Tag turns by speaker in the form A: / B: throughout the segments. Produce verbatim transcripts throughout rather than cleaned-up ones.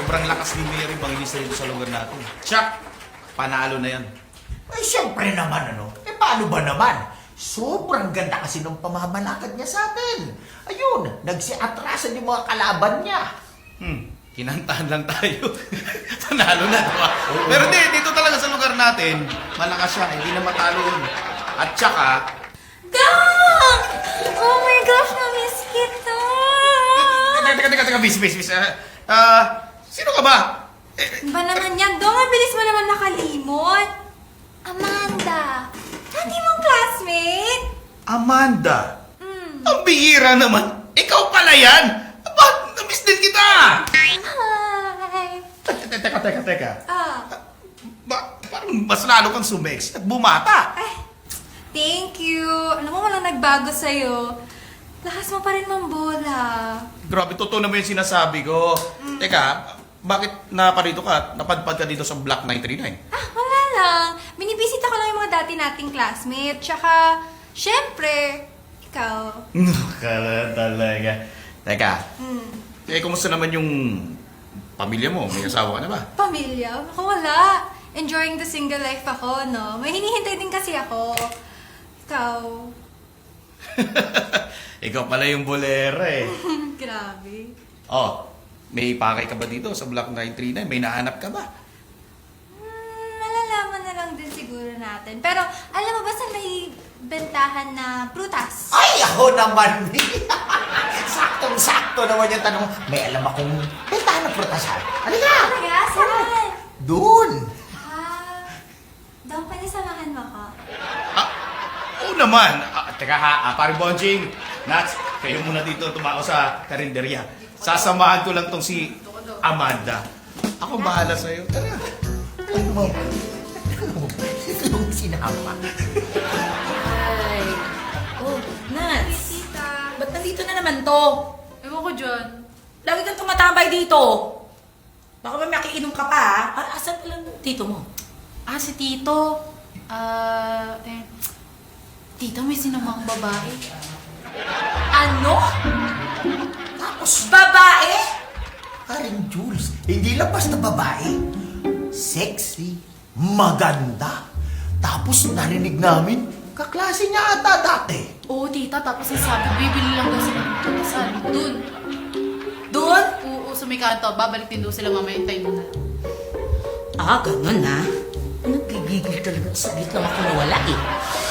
A: sobrang lakas ni Mary manginis dito sa lugar natin. Tsak! Panalo na yan.
B: Ay, siyempre naman, ano? Eh, paano ba naman? Sobrang ganda kasi ng pamamalakad niya sa atin. Ayun, nagsiatrasan yung mga kalaban niya.
A: Hmm, kinantahan lang tayo. Panalo na, diba? Pero di, dito talaga sa lugar natin, malakas siya, hindi na matalo yun. At tsaka,
C: Dong! Oh my gosh, na-miss kita!
A: teka, teka, teka, teka, bis, bis, bis. Ah, ah, sino ka ba? Eh,
C: Ba naman yan, Dong? Ang bilis mo naman nakalimot. Amanda, hindi mong classmate?
A: Amanda.
C: Hmm.
A: Ang bihira naman. Ikaw pala yan. Ba't na-miss din kita?
C: Hi!
A: Teka, teka, teka, teka.
C: Ah,
A: Ba, parang mas lalo kang sumex at bumata.
C: ay, thank you. Alam mo, walang nagbago sa'yo. Lakas mo pa rin mambola.
A: Grabe, totoo naman yung sinasabi ko. Teka, bakit naparito ka? Napadpad ka dito sa Block nine three nine?
C: Ah, wala lang. Binibisita ko lang yung mga dati nating classmate. Tsaka, syempre, ikaw.
A: Kala talaga. Teka,
C: Hmm.
A: eh, kumusta naman yung pamilya mo? May asawa ka na ba?
C: Pamilya? Ako wala. Enjoying the single life ako, no? May hinihintay din kasi ako. Ikaw.
A: Ikaw pala yung bolera eh.
C: Grabe.
A: Oh, may pakay ka ba dito sa Block nine three nine? May nahanap ka ba?
C: Hmm, malalaman na lang din siguro natin. Pero, alam mo ba sa may bentahan na prutas?
B: Ay, ako naman. Saktong-sakto naman yung tanong. May alam akong bentahan ng prutasan. Halika!
C: Talaga? Saan?
B: Doon!
C: Ah, daw pwede samahan mo ako.
A: Ah, oo naman. Ah, teka ha, ah, pare Bonjing, Nats, kayo muna dito tumako sa karinderya. Sasamahan ko lang tong si Amanda. Ako bahala sa'yo. Tara.
B: Ano mo? Ito yung sinama.
D: Ay. Oh, Nats.
C: Tita.
D: Ba't nandito na naman to?
C: Ewan ko dyan.
D: Lagi kang tumatambay dito. Baka may makiinom ka pa, ha? Ah, asan pala yung tito mo?
E: Ah, si Tito. Ah, eh, Tito, may sinamang babae.
D: Ano?
B: Tapos,
D: Babae?
B: Haring Jules, hindi lang basta babae. Sexy, maganda. Tapos narinig namin, kaklase niya ata dati.
E: Oo, Tita, tapos sabi, bibili lang daw sila ng pagkasal. Doon.
D: Doon?
E: Oo, sa may kanto. Babalik din daw sila mamaya. Hintayin mo na.
D: Ah, ganun na. Nagigigil talaga. Saglit lang ako nawala eh.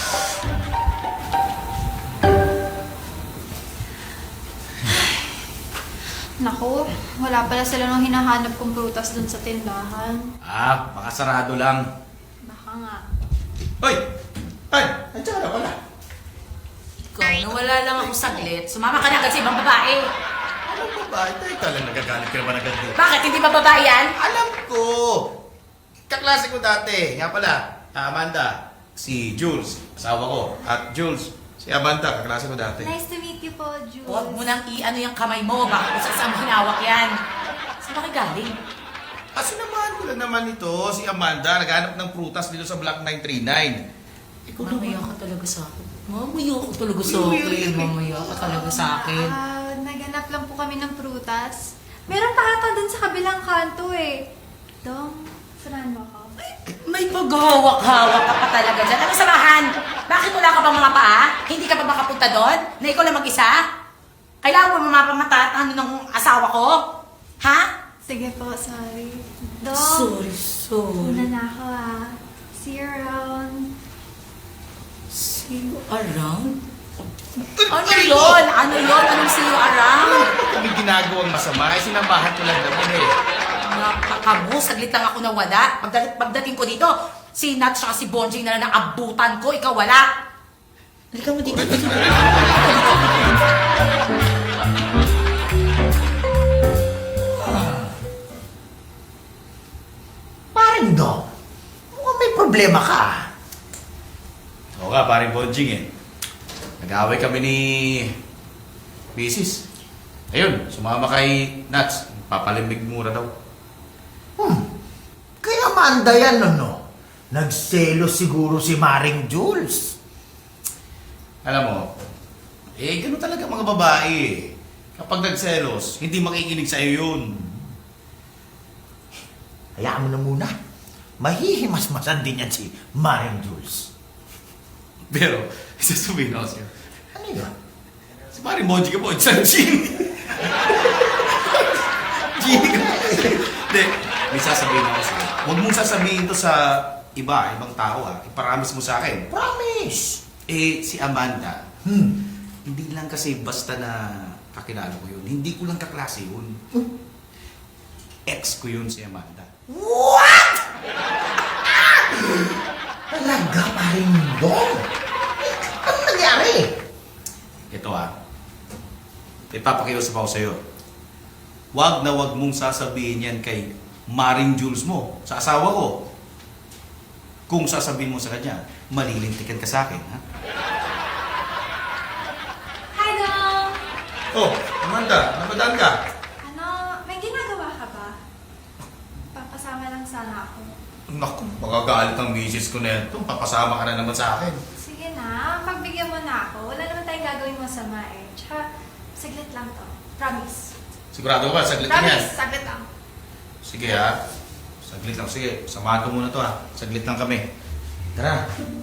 C: Naku, wala pala sila nung hinahanap kong prutas dun sa tindahan.
A: Ah, baka sarado lang.
C: Baka nga.
A: Hoy! Ay! Andiyan ka na pala.
D: Ikaw, nawala lang ako saglit. Sumama ka na agad sa ibang babae.
A: Alam ko ba? Teka lang, nagagalit ka naman agad dito.
D: Bakit? Hindi ba babae yan?
A: Alam ko! Kaklase ko dati. Nga pala, ah, Amanda, si Jules, asawa ko. At Jules, si Amanda, kaklase ko dati.
C: Nice to meet you po, Jules.
D: Huwag mo nang i-ano yung kamay mo. Baka kung saan mo hinawak yan. Saan ba kayo galing?
A: Ah, sinamahan ko lang naman ito, si Amanda, naghanap ng prutas dito sa Block nine three nine. Ikaw
D: Mamaya
A: naman.
D: ka talaga sa akin. Mamaya ka talaga sa akin. Mamaya ka talaga sa akin.
C: Ah, naganap lang po kami ng prutas. Meron pa ata dun sa kabilang kanto eh. Dong, sarahan mo ako.
D: May paghawak-hawak ka pa talaga dyan. Ano samahan? Bakit wala ka pang mga paa? Hindi ka pa makapunta doon? Na ikaw lang mag-isa? Kailangan mo mamapamata at ano ng asawa ko? Ha?
C: Sige po, sorry. Dong,
D: Sorry, sorry.
C: una na ako ah. See you around.
D: See you around? Ano yun? Ano yun? Anong see you around?
A: Kami ginagawang masama, ay sinamahan ko lang naman eh.
D: Nakakabu, saglit lang ako nawala. Pagdating, pagdating ko dito, si Nat siya si Bonjing na lang naabutan ko, ikaw wala. Halika mo dito.
B: Paring Dong, mukhang may problema ka.
A: Oo nga, paring Bonjing eh. Nag-away kami ni Mrs. Ayun, sumama kay Nats. Papalimig mura daw.
B: Hmm, kaya Amanda yan, ano? Nagselo siguro si Maring Jules.
A: Alam mo, eh, gano'n talaga mga babae eh. Kapag nagselos, hindi makikinig sa'yo yun.
B: hayaan mo na muna. Mahihimas-masan din yan si Maring Jules.
A: Pero, sasabihin ako sa'yo.
B: Ano yun?
A: Si Maring Bonji ka po, isang Genie. Genie ka. Hindi, may sasabihin ako sa'yo. Huwag mong sasabihin to sa iba, ibang tao ha. Iparamis mo sa akin.
B: Promise!
A: Eh, si Amanda,
B: Hmm.
A: hindi lang kasi basta na kakilala ko yun. Hindi ko lang kaklase yun. Ex ko yun si Amanda.
B: What? Talaga, Maring Dong? Ano nangyari?
A: Ito ah, ipapakiusap ako sa'yo. Huwag na huwag mong sasabihin yan kay Maring Jules mo, sa asawa ko. Kung sasabihin mo sa kanya, malilintikan ka sa akin, ha?
C: Hi, Dong!
A: Oh, Amanda, napadaan ka?
C: Ano, may ginagawa ka ba? Papasama lang sana ako.
A: Naku, magagalit ang misis ko na ito. Papasama ka na naman sa akin.
C: Sige na, pagbigyan mo na ako. Wala naman tayong gagawin masama eh. Tsaka, saglit lang to. Promise.
A: Sigurado ka, saglit lang yan.
C: Promise, saglit lang.
A: Sige ha, saglit lang. Sige, samahan ko muna to ha. Saglit lang kami. Tara.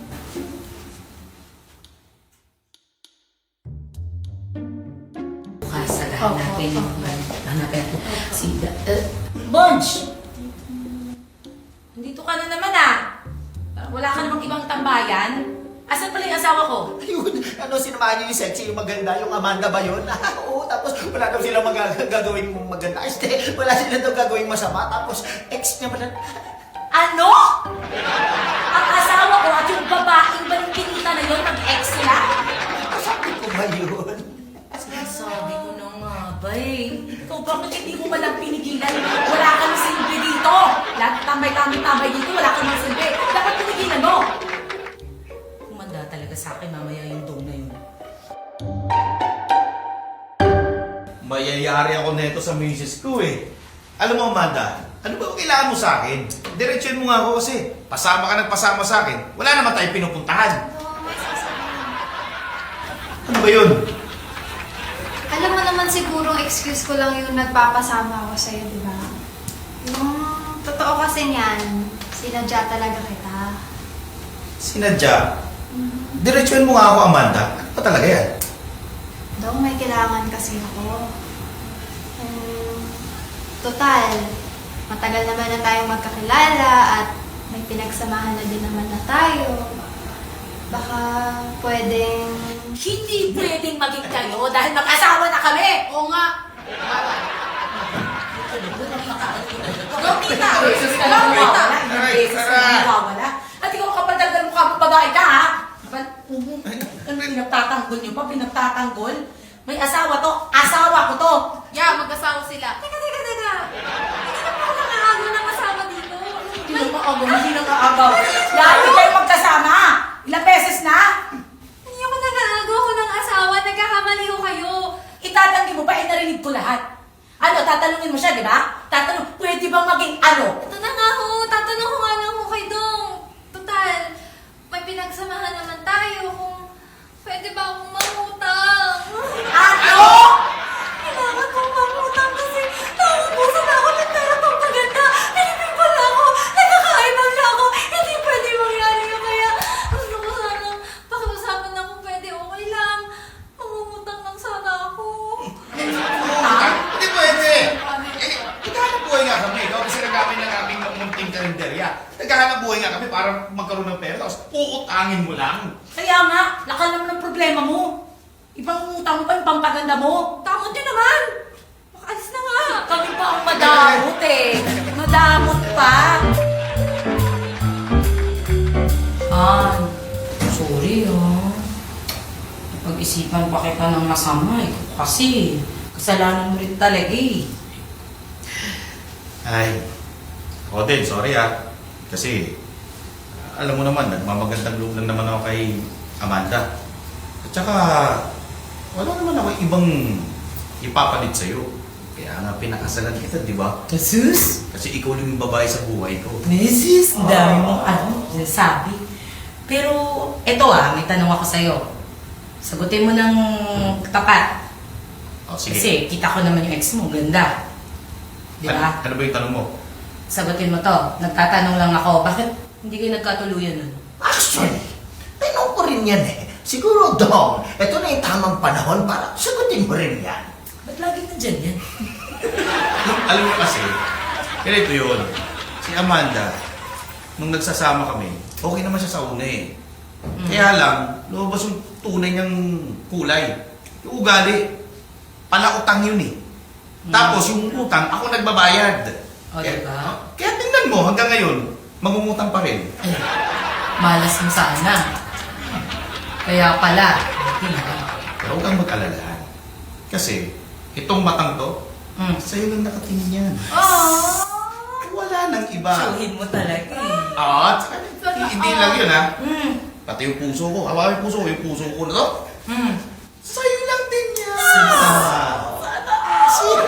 D: Bukas, hanapin mo. Hanapin ko. Si... Uh, Bonj! Nandito ka na naman ah. Parang wala ka namang ibang tambayan. Asan pala yung asawa ko?
B: Ayun, ano, sinamahan niyo yung sexy, yung maganda, yung Amanda ba yun? Oo, tapos wala daw silang mag- gagawing maganda. Este, wala sila daw gagawing masama. Tapos, ex niya pala.
D: Ano? Ang asawa ko at yung babaeng balingkinita na yun, mag-ex sila?
B: Sabi ko ba yun?
D: Sinasabi ko na nga ba eh. Ikaw bakit hindi mo malang pinigilan? Wala ka ng silbi dito. Lahat tambay-tambay-tambay dito, wala ka ng silbi. Dapat pinigilan mo. Kumanda talaga sa akin mamaya yung dong na yun.
A: Mayayari ako neto sa misis ko eh. Alam mo, Amanda, ano ba kailangan mo sa akin? Diretsyon mo nga ako kasi pasama ka nagpasama sa akin. Wala naman tayong pinupuntahan.
C: Dong, may sasabihin.
A: Ano ba yun?
C: Alam mo naman sigurong excuse ko lang yung nagpapasama ako sa'yo, di ba? Yung totoo kasi niyan, sinadya talaga kita.
A: Sinadya. Diretsyon mo nga ako, Amanda. Ano ba talaga yan?
C: Dong, may kailangan kasi ako. Um, total, matagal naman na tayong magkakilala at may pinagsamahan na din naman na tayo. Baka pwedeng...
D: Hindi pwedeng maging kayo dahil mag-asawa na kami. Oo nga. Gawin na! Gawin na! Nawawala. At ikaw kapag dagdag mukha mo babae ka, ha? Ano pinagtatanggol niyo pa? Pinagtatanggol? May asawa to. Asawa ko to.
E: Yeah, mag-asawa sila.
C: Teka, teka, teka! Hindi na ako nakakago ng kasama dito.
D: Hindi na maagaw, hindi na maagaw. Lagi kayo magkasama. Ilang beses na?
C: Hindi ako nag-aago ako ng asawa. Nagkakamali ko kayo.
D: Itatanggi mo ba? Eh, narinig ko lahat. Ano, tatanungin mo siya, di ba? Tatanong, pwede bang maging ano?
C: Ito na nga ho. Tatanong ko nga lang ho kay Dong. Total, may pinagsamahan naman tayo kung pwede ba akong mangutang.
D: Ano?
C: Kailangan kong mangutang kasi nauubusan ako ng pera pang maganda. Pilipin pala ako. Nagkakaibang na ako. Hindi pwede mangyari yun. Kaya gusto ko sana pakiusapan na kung pwede okay lang. Mangungutang lang sana ako.
A: Hindi pwede! Eh, naghahanap buhay nga kami. Ikaw kasi nagamit ng aming munting kalenderya. Naghahanap buhay nga kami para magkaroon ng pera. Tapos uutangin mo lang.
D: Kaya nga, lakal naman ang problema mo. Ibang utang mo pa yung pampaganda mo.
C: Tamot yun naman. Makaalis na nga.
D: Kami pa ang madamot eh. Madamot pa. Ah, sorry oh. Pag-isipan pa kita ng masama eh. Kasi, kasalanan mo rin talaga eh.
A: Ay, ako din, sorry ah. Kasi, alam mo naman, nagmamagandang loob lang naman ako kay Amanda. At saka, wala naman ako ibang ipapalit sa'yo. Kaya nga pinakasalan kita, di ba?
D: Jesus?
A: Kasi ikaw lang yung babae sa buhay ko.
D: Mrs. Dami mong ano, sinasabi. Pero, eto ah, may tanong ako sa'yo. Sagutin mo ng tapat.
A: O, sige.
D: Kasi kita ko naman yung ex mo, ganda. Di
A: Ano,
D: ba?
A: ano ba yung tanong mo?
D: sagutin mo to. Nagtatanong lang ako, bakit hindi kayo nagkatuluyan nun?
B: Actually, tanong ko rin yan eh. Siguro, Dong, ito na yung tamang panahon para sagutin mo rin yan.
D: Ba't lagi nandyan yan?
A: Alam mo kasi, ganito yun. Si Amanda, nung nagsasama kami, okay naman siya sa una eh. Kaya lang, lumabas yung tunay niyang kulay. Yung ugali, pala utang yun eh. Tapos yung utang, ako nagbabayad.
D: O,
A: kaya,
D: diba?
A: ah, kaya tingnan mo, hanggang ngayon, mangungutang pa rin.
D: Ay, malas mo sana. Kaya pala, hindi na.
A: Pero huwag kang mag-alala. Kasi, itong matang to,
D: Mm.
A: sa'yo lang nakatingin yan.
D: Oh!
A: Wala nang iba.
D: Suhin mo talaga eh.
A: Ah, at saka, hindi lang yun ha.
D: Mm.
A: Pati yung puso ko. Hawakan yung puso ko. Yung puso ko na to.
D: Mm.
A: Sa'yo lang din yan.
D: Sana.
A: Sino?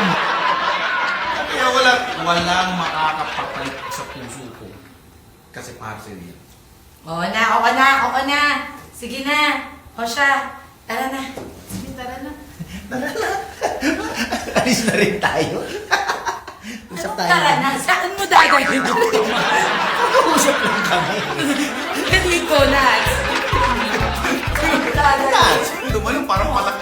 A: Kaya walang, walang makakapapalit sa puso ko. Kasi para sa'yo yan.
D: Oo na, oo na, oo na. Sige na. O siya, tara na.
E: Sige, tara na.
B: Alis na rin tayo. Usap
D: Anong
B: tayo.
D: tara na? Saan mo dadalhin?
B: Usap lang kami.
D: Hindi ko na.
B: Nats,
A: Dumalong parang malaki.